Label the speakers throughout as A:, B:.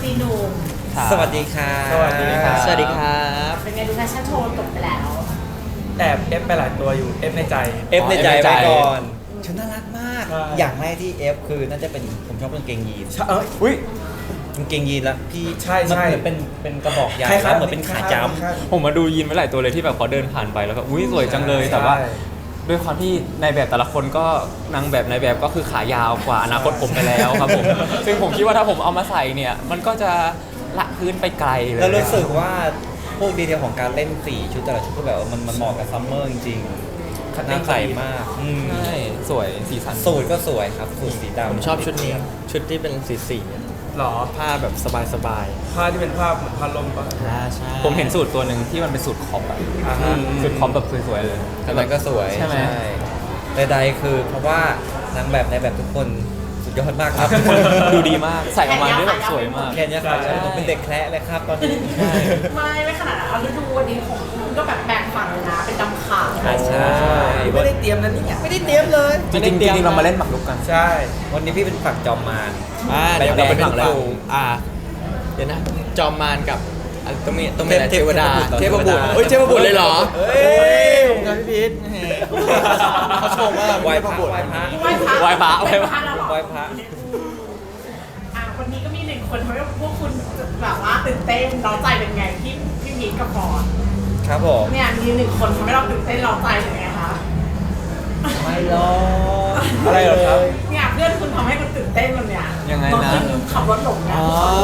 A: ซีหนุ่ม
B: สวัสดีครับ
C: สวัสดีครับ
B: สวัสดีครับ
A: เป็นไงดูแฟชั่นโชว์จบไปแล้ว
C: แอบเอฟไปหลายตัวอยู่เอฟในใจ
B: เอฟในใจ
D: F ในใจ
B: ไว้ก่อนชุดน่ารักมาก
C: ใช่
B: อย่างแรกที่เอฟคือน่าจะเป็นผมชอบกางเกงยีน
C: อุ้ย
B: กางเกงยีนแล้วพี่
C: ใช่
B: มัน
C: ใช่
B: เหมือนเป็นกระบอกยาว
C: คล้ายๆ
B: แล้วเหมือนเป็นขาจ้
D: ผมมาดูยีนไว้หลายตัวเลยที่แบบเขาเดินผ่านไปแล้วก็อุ้ยสวยจังเลย แต่ว่าด้วยความที่ในแบบแต่ละคนก็นางแบบในแบบก็คือขายาวกว่าอนาคตผมไปแล้วครับผม ซึ่งผมคิดว่าถ้าผมเอามาใส่เนี่ยมันก็จะละพื้นไปไกลเล
B: ำ
D: ย
B: แล้วรู้สึกว่าพวกดีเทลของการเล่นสีชุดแต่ละชุดก็แบบว่ามันเหมาะกับซัมเมอร์จริงๆน่าใส่มาก
D: ใช่สวยสีสัน
B: สูทก็สวยครับสูทสีดำ
E: ผมชอบชุดนี้ชุดที่เป็นสี
C: หรอ
E: ผ้าแบบสบาย
C: ผ้าที่เป็นผ้าเหมือนผ้าลมปะ
E: ใช่
D: ผมเห็นสูตรตัวหนึ่งที่มันเป็นสูตรคอปอะ
C: อ่าฮะ
D: สูตรคอปแบบสวยๆเลย
B: ทำไมก็สวย
D: ใช่ไหม
B: ใดๆคือเพราะว่านางแบบในแบบทุกคนสุดยอดมากครับ
D: ดูดีมากใส่ออกมาได้แบบสวยมาก
B: แค่เนี้ยครับผมเป็นเด็กแคระเลยครับตอนนี้
A: ไม่ขนาดนั้นเอาฤดูวันนี้ของคุณก็แบบแบ่งฝั่งเลยนะเป็นดำขาว
B: ใช่
C: ไม่ได้เตรียมนะเนี่ย
B: ไม่ได้เตรียมเลย
D: จริงๆจริงๆเรามาเล่นหมากรุกกัน
C: ใช่
B: วันนี้พี่เป็นฝั่งจอมมาร
E: เดี๋ยวเราเป็น
B: ฝั่
E: ฝั่
B: ง
E: ง
B: แล้ว
E: เดี๋ยวนะจอมมารกับต้องมีอะไร
B: เท
E: เท
B: พ
E: วดา
B: เท
E: เท
B: พ
E: พ
B: บุ
E: บุ
B: ต
E: ต
B: ร
E: รเฮ้ยเทพบุตรเลยเหรอ
B: เฮ้ย
E: ผมกับพี่พีทเขาชมว่า
B: ไหว้
E: เท
B: พ
E: พ
B: ระ
E: บุตร
B: ไหว้พระ
D: ไหว้พระ
A: เป็นพระแล้วเหรอ
B: ไหว้พระ
A: วันนี้ก็มีหนึ่งคนทำให้พวกคุณแบบว่าตื่นเต้นเราใจเป็นไงพี่พีทกับฟอร์ด
B: ครับผม
A: เนี่ยมีหนึ่งคนทำให้เราตื่นเต้นเราใจเป็นไงคะ
B: ไม่หรอก
C: อะไรเหรอครับ
A: เนี่ยเพื่อนคุณทำให้คุณตื่นเต้นมันเนี่ย
D: ยังไงนะ
A: บางทีขับรถหลงนะ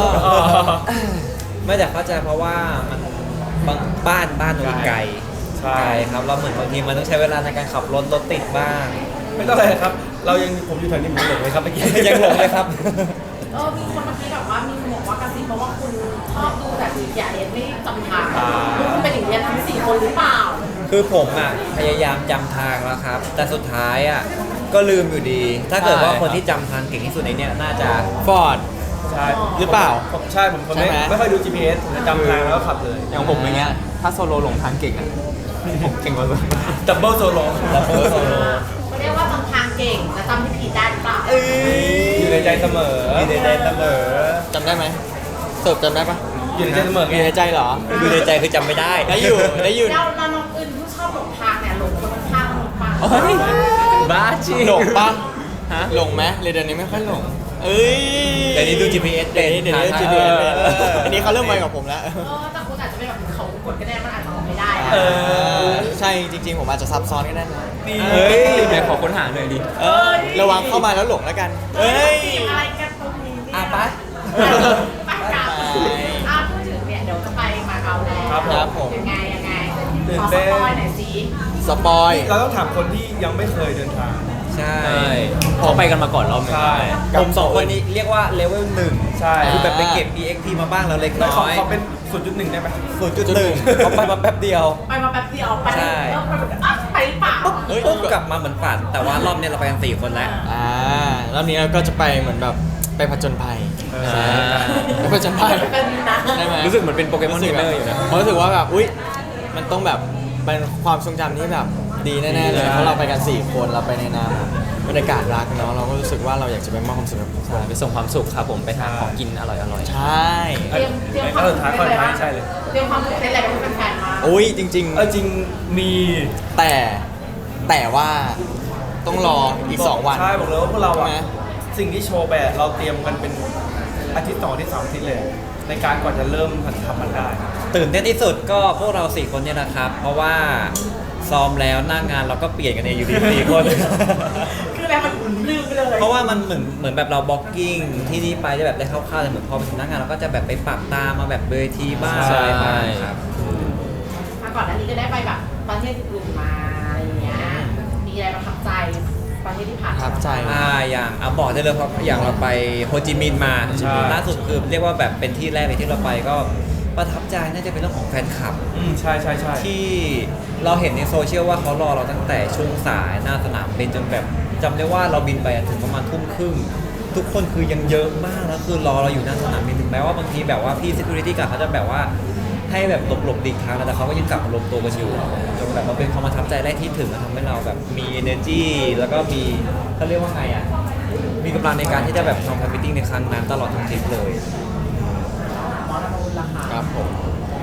B: ไม่แต่เข้าใจเพราะว่ามันบ้านมันไกล
C: ใช่
B: ไกลครับเราเหมือนบางทีมันต้องใช้เวลาในการขับรถติดบ้าง
C: ไม่ต้องอะไรครับ เรายังผมอยู่แถวนี้ผมหลงเลยครับเมื่อกี้
B: ยังหลงเลยครับ
A: มีคนเมื่อกี้แบบว่ามีคนบอกว่ากระซิบมาว่าคุณชอบดูแบบอย่าเรียนไม่จำทางคุณเป็นอย่างเรียนทั้ง4คนหรือเปล่า
B: คือผมอ่ะพยายามจำทางแล้วครับ แต่สุดท้ายอ่ะก็ลืมอยู่ดี ถ้าเกิดว่าคนที่จำทางเก่งที่สุดในเนี้ยน่าจะ
E: ฟอร์ด
C: ใช่
E: หรือเปล่า
C: ใช่ผมคน
E: ใช่ไหม
C: ไม่ค่อยดู GPS ผมจะจำทางแล้วก็ขับเลย
D: อย่างผมอย่างเงี้ยถ้าโซโลหลงทางเก่งอะผมเก่งกว่าเลย
C: ดับเบิลโซโล
B: ดับเบิลโซโล
A: เขาเรียกว่าจำทางเก่งแต่จำที่ผิดได้หรือเปล่า
C: อยู่ในใจเสมอ
B: มีในใจเสมอ
E: จำได้ไหมสรุปจำได้ปะ
C: อยู่ในใจเสมอ
E: อ
C: ไง
E: ยู่ในใจเหรอ
B: อยู่ในใจคือจำไม่ได้
E: ได้อยู่ได้อยู่
A: แล้วน้องอื่นที่ชอบหลงทางเนี่ยหลงคนข้างๆหลงป่า
D: เฮ้ยบ้าจริง
E: หลงปะ
D: ฮะ
E: หลงไหมเดี๋ยวนี้ไม่ค่อยหลงเอ้ย
B: เดี๋ยวนี้ดู GPS
E: เดี๋ยวนี้
B: เป็น
E: GPS เป็น
B: เออ
E: อันนี้เขาเริ่มไวกว่าผมแล้ว
A: แต่คุณอาจจะไม่แบบเขากดก็ได้มันอาจจะออกไม่ได้
E: ใช่จริงๆ ผมอาจจะซับซ้อนก็ได้นะ
D: เฮ้ยไหนขอค้นหาหน่อยดิ
E: ระวังเข้ามาแล้วหลงแล้วกัน
A: เฮ้ยอะไรกันตรงนี้เนี่ย
B: อ่ะไป
A: ไปกันพูดถึงเนี่ยเดี๋ยวจะไปมาเก๊าแล้ว
E: ครับผม
A: ยังไงข
C: ตื่น
A: อส
C: เต้น
A: ปอยหน่อยสิ
E: สปอย
C: เราต้องถามคนที่ยังไม่เคยเดินทาง
B: ใช่
D: ใช่เขาไปกันมาก่อนรอบหนึง
C: ใช่
B: ผมสองคนนี้เรียกว่าเลเวลหนึ่ง
C: ใช่
B: คือแบบไปเก็บ EXP มาบ้างแล้วเล็ก
C: แล้ว
B: น้อย
C: เขาเป็น 0.1 ได้ไหม
B: 0.1เขาไปมาแป๊บเดียว
A: ไปมาแป๊บเดียวไป
B: ใช่
A: แล้วไปแบบไปหรือเปล่า
B: ปุ๊บกลับมาเหมือนฝัน แต่ว่ารอบเนี้ยเราไปกัน4คนแล้ว
E: รอบนี้เราก็จะไปเหมือนแบบไปผจญภัย
C: ใช่
E: ไปผจญภัย
A: เป็นนะ
E: ได้ไหม
D: รู้สึกเหมือนเป็นโปเกมอนเทรนเนอร์อยู่นะ
E: ผมรู้สึกว่าแบบอุ๊ยมันต้องแบบเป็นความทรงจำที่แบบดีแน่ๆเลยเพราะเราไปกัน4คนเราไปในนามบรรยากาศรักเนาะเราก็รู้สึกว่าเราอยากจะไปมอบความสุขให้ทุกค
D: ใช่
E: น
D: ไปส่งความสุขครับผมไปหาของกินอร่อย
E: ใช่
A: เตรียมความ
C: สุดท้ายคนท้ายใช่เลย
A: เตรียมความตื่นเต้นอะไรไปให้แฟนๆมา
E: อุ้ยจริง
C: จริงมี
E: ๆ แต่ว่าต้องรออีก 2 วัน
C: ใช่บอกเลยว่าพวกเรา
E: ใช่
C: อะ
E: ไหม
C: สิ่งที่โชว์แบบเราเตรียมกันเป็นอาทิตย์2 อาทิตย์ 3 อาทิตย์เลย ในการก่อนจะเริ่มทำมันได้
B: ตื่นเต้นที่สุดก็พวกเรา4คนเนี่ยนะครับ เพราะว่าซ้อมแล้วหน้างานเราก็เปลี่ยนกันเองอยู่ดี4คน
A: คืออะไรมันลืมไปเลย
B: เพราะว่ามันเหมือนแบบเราบล็อกกิ้งที่นี่ไปได้แบบได้คร่าวๆแต่เหมือนพอไปถึงหน้างานเราก็จะแบบไปปรับตามมาแบบเวทีบ้าง
D: ใช่
B: อะไรบ้างครับ
A: มาก่อนอันนี้ก็ได้ไปแบบประเทศอื่นๆมาอะไรอย่างเงี้ยมีอะไรประทับใจประเทศที่ผ่าน
E: ประทับใจ
B: อย่างบอกได้เลยเพราะอย่างเราไปโฮจิมินห์มา
C: ใช่
B: ล่าสุดคือเรียกว่าแบบเป็นที่แรกเลยที่เราไปก็ประทับใจน่าจะเป็นเรื่องของแฟนคลับ
C: ใช่ใช่ใช่
B: ที่เราเห็นในโซเชียลว่าเขารอเราตั้งแต่ช่วงสายหน้าสนามบินจนแบบจำได้ว่าเราบินไปถึงประมาณทุ่มครึ่งทุกคนคือยังเยอะมากแล้วคือรอเราอยู่หน้าสนามบินถึงแม้ว่าบางทีแบบว่าพี่ security guard เขาจะแบบว่าให้แบบหลบดีกทางแต่เขาก็ยังกลับมารวมตัวกันอยู่จนแบบมันเป็นความประทับใจแรกที่ถึงทำให้เราแบบมี energy แล้วก็มีเขาเรียกว่าไงอ่ะมีกำลังในการที่จะแบบทำแฟนมิทติ้งในครั้งนั้นตลอดทั้งทริปเลย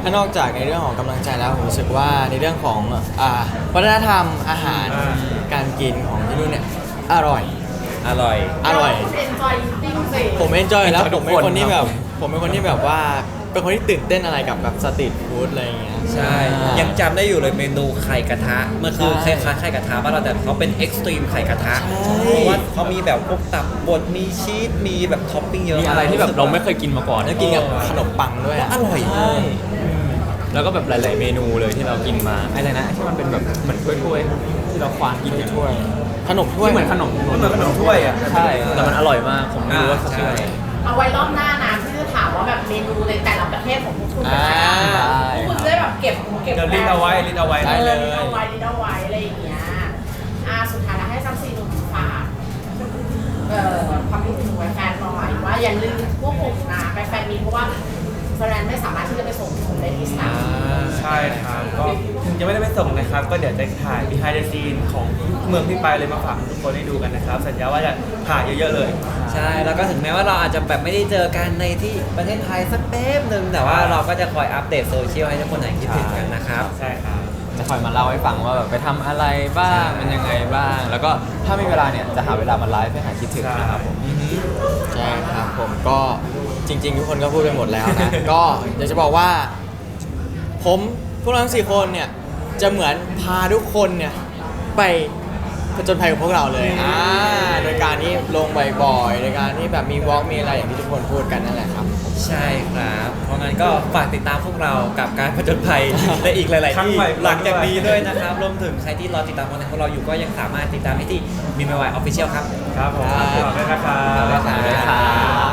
E: ถ้านอกจากในเรื่องของกำลังใจแล้วผมรู้สึกว่าในเรื่องของวัฒนธรรมอาหารการกินของที่นู่นเนี่ยอร่อย
B: อร่อย
E: อร่อย
A: คุณเอนจอยติ้งสิ
E: ผมเอนจอยแล้ว
D: enjoy
E: ผมเป็นคนที่
D: ทุกคน
E: แบ
D: ครับ บ
E: ผมเป็นคนที่แบบว่าเป็นคนที่ตื่นเต้นอะไรกับแบบสตรีทฟู้ดอะไรอย่างเงี้ย
B: ใช่ ยังจำได้อยู่เลยเมนูไข่กระทะ มันคือค
E: ใช่
B: ล้ายๆไข่กระทะบ้านเราแต่เขาเป็นเอ็กซ์ตรีมไข่กระทะ
E: ใช่
B: เพราะว่าเขามีแบบพวกตับบดมีชีส มีแบบท็อปปิ้งเยอะ
D: มีอะไรที่แบบเราไม่เคยกินมาก่อน
E: แล้วกินกับขนมปังด้วยอะ
B: อร่อย
E: ใช่
D: แล้วก็แบบหลาย ๆ เมนูเลยที่เรากินมาอะไรนะที่มันเป็นแบบเหมือนถ้วยๆที่เราควานกินกัน
E: ถ้วยขนมถ้วย
D: ที่เหมือนขนม
C: มันเหมือนขนมถ้วยอ่ะ
D: ใช่แต่มันอร่อยมากผมไม่รู้ว่าเขาชื่ออะไร
A: เอาไว้รอบหน้านะที่จะถามว่าแบบเมนูในแต่ละประเทศของพวกคุณเป็นยังไง
E: อ่า
A: พวกคุณจะได้แบบเก็บ
C: เดี๋ยวลิ้นเอาไว้ลิ้นเอาไว้
E: ได้เลย
A: ลิ้นเอาไว้ลิ้นเอาไว้อะไรอย่างเงี้ยสุดท้ายแล้วให้ซัมซีหนุ่มฝากความคิดถึงแฟนๆหน่อยว่าอย่าลืมพวกผมนะไปแฟนมีเพราะว่าแฟนๆไม่สามารถที่จะไปส่งผมได้ที่สนาม
C: ใช่ครับก็ถึงจะไม่ได้ไปส่งนะครับ ก็เดี๋ยวจะถ่าย behind the scene ของเมืองที่ไปเลยมาฝากทุกคนได้ดูกันนะครับ สัญญาว่าจะถ่ายเยอะๆเลย
B: ใช่ แล้วก็ถึงแม้ว่าเราอาจจะแบบไม่ได้เจอกันในที่ประเทศไทยสักแป๊บหนึ่งแต่ว่าเราก็จะคอยอัปเดตโซเชียลให้ทุกคนไหนคิดถึงกันนะครับ
C: ใช่ครับ
D: จะคอยมาเล่าให้ฟังว่าแบบไปทำอะไรบ้างมันยังไงบ้าง แล้วก็ถ้ามีเวลาเนี่ยจะหาเวลามาไลฟ์ให้หายคิดถึงนะครับผม
E: ใช่ครับผมก็จริง ๆ ทุกคนก็พูดไปหมดแล้วนะ ก็อยากจะบอกว่าผมพวกเราทั้ง4คนเนี่ยจะเหมือนพาทุกคนเนี่ยไปผจญภัยกับพวกเราเลยโดยการที่ลงบ่อยๆโดยการที่แบบมีวอล์กมีอะไรอย่างที่ทุกคนพูดกันนั่นแหละครับ
B: ใช่ครับ เพราะงั้นก็ฝากติดตามพวกเรากับการผจญภัย และอีกหลาย ๆ
C: ครั้ง
B: ที่
C: ใหม่
B: หลังจากนี้ด้วยนะครับ รวมถึงใครที่รอติดตามคอนเทนต์ของเราอยู่ก็ยังสามารถติดตามได้ที่มีมวายออฟฟิเชียลครับ
C: ครับผม
E: ครับ
C: ขอบคุณนะครับ
B: ขอบคุณครับ